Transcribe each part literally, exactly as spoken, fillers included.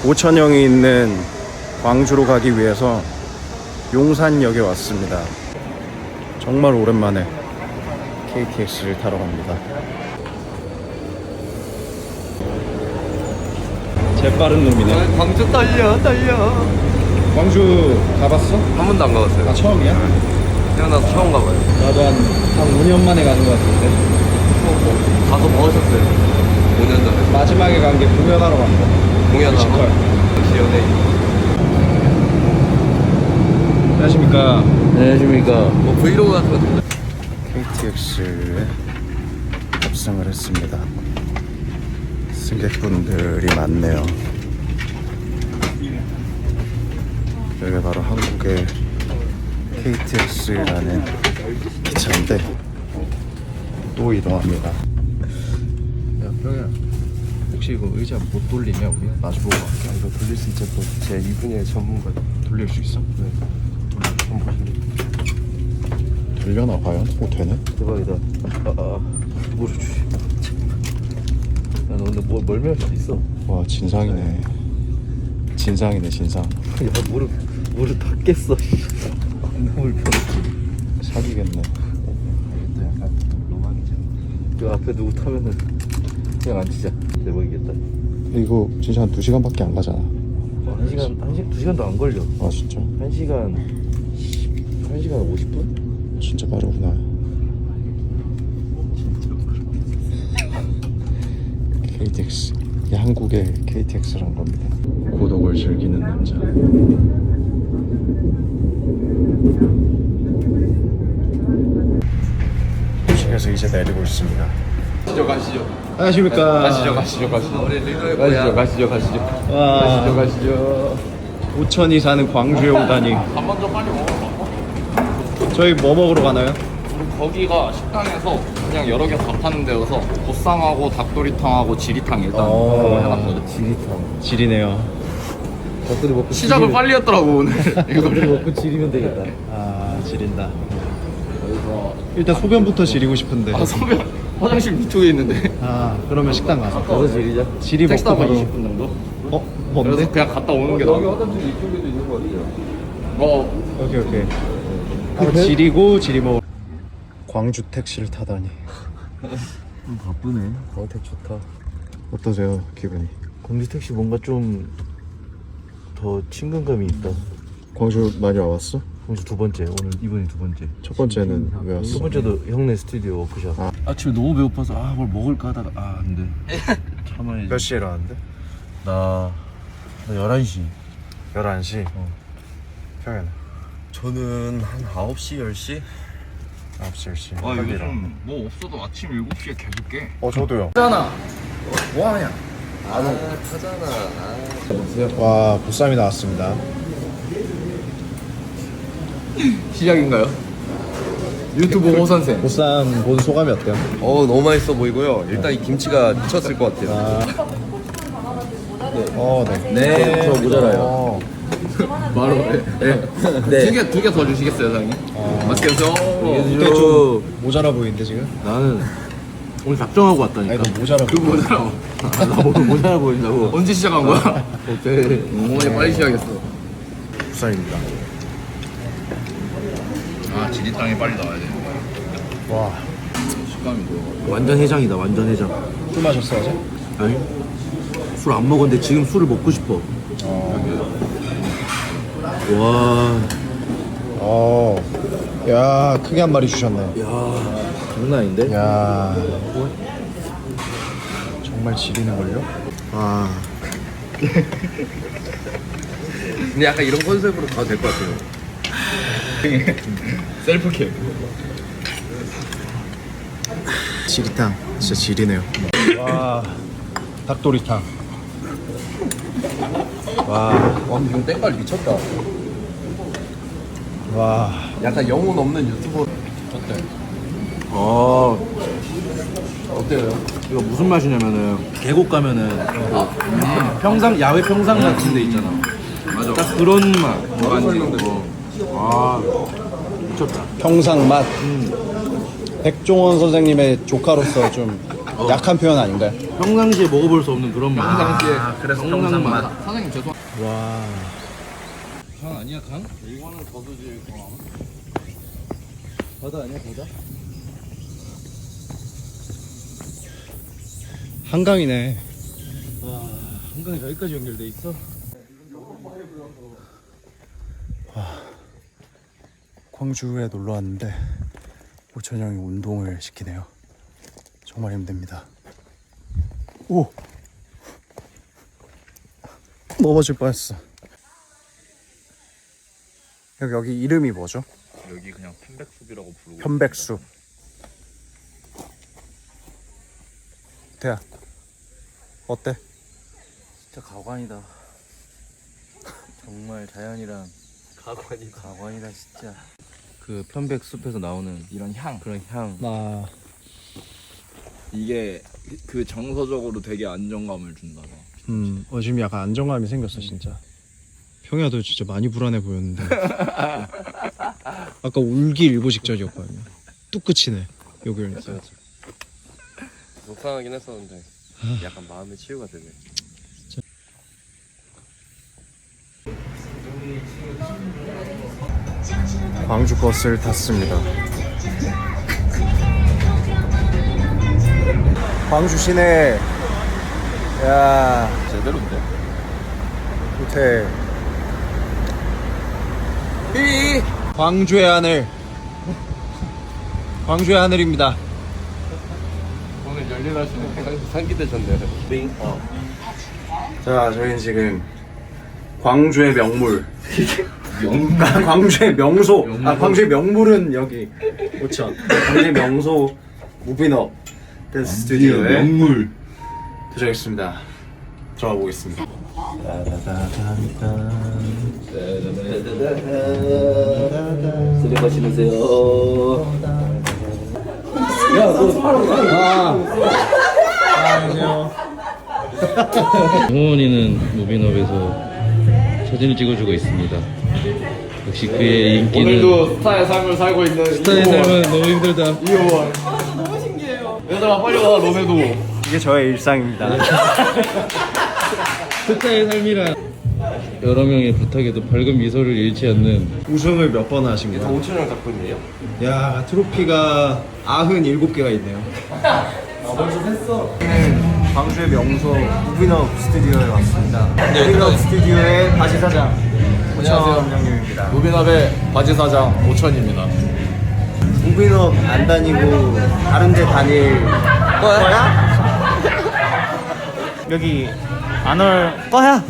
오천형이 있는 광주로 가기 위해서 용산역에 왔습니다. 정말 오랜만에 케이티엑스를 타러 갑니다. 재빠른 놈이네. 광주 떨려 떨려. 광주 가봤어? 한 번도 안 가봤어요. 아, 처음이야? 태어나서 처음 가봐요. 나도 한, 한 오 년 만에 가는 것 같은데. 가서 뭐 하셨어요? 오 년 전에 마지막에 간 게 공연하러 간 거. 공연하고 뮤지컬. 역시 연예인. 안녕하십니까. 안녕하십니까. 뭐 브이로그 같은 거 듣나요? 케이티엑스에 탑승을 했습니다. 승객분들이 많네요. 여기가 바로 한국의 케이티엑스라는 기차인데 또 이동합니다. 야 병이야. 혹시 이거 의자 못 돌리냐 우리? 마주보고 갈게. 아, 이거 돌릴 수 있죠. 제 이 분야의 전문가. 돌릴 수 있어? 네. 한번 보실래요? 돌려나 과연? 오, 되네? 대박이다. 아, 아, 무릎 주시. 야, 너 근데 뭐 멀미할 수도 있어. 와, 진상이네. 진상이네, 진상. 야, 무릎 무릎 다 깼어. 너무 불편해. 사기겠네. 알겠다. 약간 로망이잖아. 그 앞에 누구 타면은 그냥 앉히자. 대박이겠다. 이거 진짜 한 두 시간밖에 안 가잖아. 어, 한 시간, 한 시간, 두 시간도 안 걸려. 아, 진짜? 한 시간, 한 시간 오십 분? 진짜 빠르구나. 케이티엑스. 이게 한국의 케이티엑스란 겁니다. 고독을 즐기는 남자. 도시에서 이제 내리고 있습니다. 가시죠, 가시죠. 안녕하십니까. 가시죠, 가시죠, 가시죠. 우리 리더의 가시죠, 가시죠, 가시죠. 와. 가시죠, 가시죠. 오천이 사는 광주에 오다니. 밥 먼저 빨리 먹어. 저희 뭐 먹으러 가나요? 우리 거기가 식당에서 그냥 여러 개 다 파는 데여서 보쌈하고 닭도리탕하고 지리탕 일단 그거 해놨거든. 지리탕. 지리네요. 닭도리 먹고 시작을 빨리 했더라고 오늘. 닭도리 이거를. 먹고 지리면 되겠다. 아, 지린다. 그래서 일단 소변부터 지리고 싶은데. 아 소변 화장실 위쪽에 있는데. 아, 그러면 식당 가서. 가서 지리자. 지리 택시 먹고 타고 바로. 이십 분 정도. 어? 그래서 뭔데? 그냥 갔다 오는 게 나아. 화장실 이쪽에도 있는 거 같아요. 어 오케이, 오케이. 한번 지리고 지리 먹. 광주 택시를 타다니. 바쁘네. 광택 좋다. 어떠세요, 기분이? 광주 택시 뭔가 좀 더 친근감이 있다. 광주 많이 와봤어? 광주 두 번째. 오늘 이번이 두 번째. 첫 번째는 왜 첫 왔어? 번째도 형네 스튜디오 워크숍. 아. 아침에 너무 배고파서 아 뭘 먹을까 하다가 아 안돼. 참아야지. 몇 시에 일어났는데? 나, 나 열한 시. 열한 시? 어. 평일은? 저는 한 아홉 시, 열 시? 아홉 시, 열 시. 아 요즘 뭐 없어도 아침 일곱 시에 계속 깨. 어, 저도요. 하잖아. 뭐하냐? 아, 타잖아. 아. 와, 보쌈이 나왔습니다. 시작인가요? 유튜브 호 선생. 보쌈 본 소감이 어때요? 어, 너무 맛있어 보이고요. 일단 이 김치가 미쳤을 것 같아요. 아. 어, 네. 네, 저 모자라요. 어. 바로 네. 네. 두 개 두 개 더 주시겠어요, 사장님? 어. 맛있게 드세요. 근데 좀 모자라 보이는데 지금? 나는 오늘 작정하고 왔다니까. 아니, 너 모자라 그 보여. 뭐더라고. 아, 나 오늘 모자라 보인다고. 언제 시작한 거야? 오케이. 어머니 빨리 시작했어. 보쌈입니다. 아 지리탕이 빨리 나와야 돼. 와, 식감이 좋아. 완전 해장이다, 완전 해장. 술 마셨어 어제? 아니? 술 안 먹었는데 지금 술을 먹고 싶어. 어. 와, 어. 야, 크게 한 마리 주셨네. 야, 장난 아닌데? 야. 정말 지리는걸요? 와. 근데 약간 이런 컨셉으로 가도 될 것 같아요. 셀프캠. 지리탕. 진짜 지리네요. 와. 닭도리탕. 와. 와, 지금 땡깔 미쳤다. 와. 약간 영혼 없는 유튜버. 어때? 아, 어때요? 이거 무슨 맛이냐면은 계곡 가면은 그 평상 야외 평상 같은 데 있잖아. 맞아. 딱 그런 맛. 어. 아, 미쳤다. 평상 맛. 백종원 선생님의 조카로서 좀 약한 표현 아닌가요? 평상시에 먹어볼 수 없는 그런 맛. 평상시에. 아, 그래서 평상 평상 맛. 맛. 사장님 죄송. 와. 강 아니야 강? 이거는 저수지 거. 바다 아니야 바다? 한강이네. 와 한강이 여기까지 연결돼 있어? 광주에 놀러 왔는데 오천 형이 운동을 시키네요. 정말 힘듭니다. 오! 넘어질 뻔했어. 여기, 여기 이름이 뭐죠? 여기 그냥 편백숲이라고 부르고. 편백숲. 대야 어때? 진짜 가관이다. 정말 자연이랑 가관이다. 가관이다 진짜. 그 편백숲에서 나오는 이런 향. 그런 향. 나 이게 그 정서적으로 되게 안정감을 준다. 음, 어, 지금 약간 안정감이 생겼어 진짜. 평야도 진짜 많이 불안해 보였는데 아까 울기 일보 직전이었거든요. 뚝 끝이네 여기 오니까. 속상하긴 했었는데 약간 마음의 치유가 되네. 광주 버스를 탔습니다. 광주 시내. 야, 제대로인데? 호텔. 이 광주의 하늘. 광주의 하늘입니다. 오늘 열일하시는 상기되셨네요. 어. 자, 저희는 지금 광주의 명물. 아, 광주의 명소. 아, 광주의 명물은 여기 오천. 광주의 명소 무비너 댄스 스튜디오에 명물. 도착했습니다. 들어가 보겠습니다. 쓰레기 신으세요. 홍원이는 무비너에서 사진을 찍어주고 있습니다. 역시 그의 인기는 오늘도 스타의 삶을 살고 있는 스타의 삶은 너무 힘들다. 이호원. 너무 신기해요. 얘들아 빨리 와 너네도. 이게 저의 일상입니다. 스타의 삶이란 여러 명의 부탁에도 밝은 미소를 잃지 않는. 우승을 몇 번 하신 거예요? 오천 원 작품이에요? 야, 트로피가 아흔일곱 개가 있네요. 아, 벌써 했어. 광주의 명소 무비너 스튜디오에 왔습니다. 무비너 스튜디오의 바지 사장 오천 형님입니다. 무비납의 바지 사장 오천입니다. 무비너 안 다니고 다른 데 다닐 거야? 여기 안 올 거야?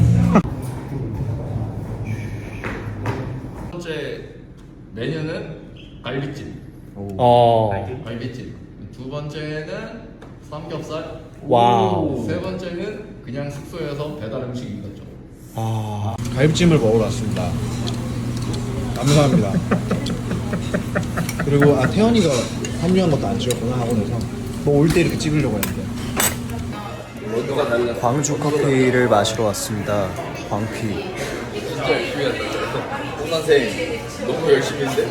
첫 번째 메뉴는 갈비찜. 어. 갈비찜. 두 번째는 삼겹살. 와우. 세 번째는 그냥 숙소에서 배달 음식인 거죠. 아, 갈비찜을 먹으러 왔습니다. 감사합니다. 그리고 아 태연이가 합류한 것도 안 찍었구나 학원에서. 너 올 때 이렇게 찍으려고 했는데. 광주 커피를 마시러 왔습니다. 광피. 진짜 열심히 했다. 홍 선생 너무 열심히 했는데?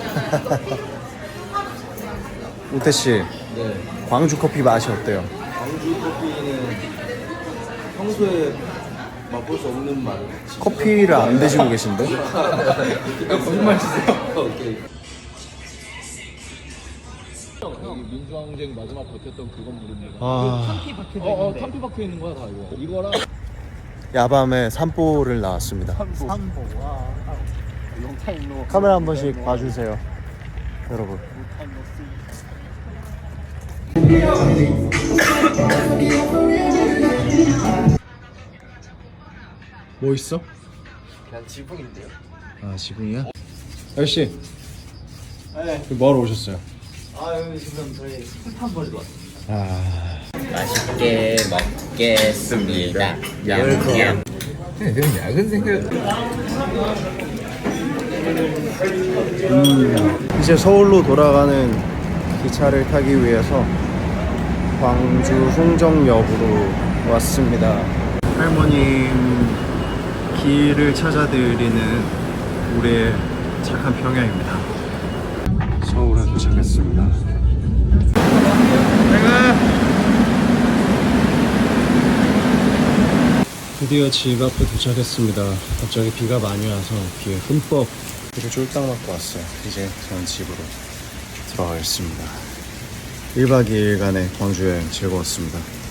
우태 씨, 네. 광주 커피 맛이 어때요? 광주 커피는 평소에 맛볼 수 없는 맛. 커피를 안 드시고 계신데? 거짓말 치세요. 오케이. 여기 민주항쟁 마지막 버텼던 그 건물입니다. 아, 어, 어, 탄피 박혀 있는 거야 다 이거. 이거랑 야밤에 산보를 나왔습니다. 카메라 한 번씩 봐주세요, 여러분. 뭐 있어? 그냥 지붕인데요. 아, 지붕이야? 아저씨, 네. 뭐하러 오셨어요? 아 여기 지금 저희 스탄 버리러 왔어요. 아, 맛있게 먹겠습니다. 얌얌. 그냥 야근 생각. 음, 이제 서울로 돌아가는 기차를 타기 위해서 광주 송정역으로 왔습니다. 할머님 길을 찾아드리는 우리의 착한 평야입니다. 서울에 도착했습니다. 드디어 집 앞에 도착했습니다. 갑자기 비가 많이 와서 비에 흠뻑 비를 쫄딱 맞고 왔어요. 이제 저는 집으로 들어가겠습니다. 일 박 이 일간의 광주 여행 즐거웠습니다.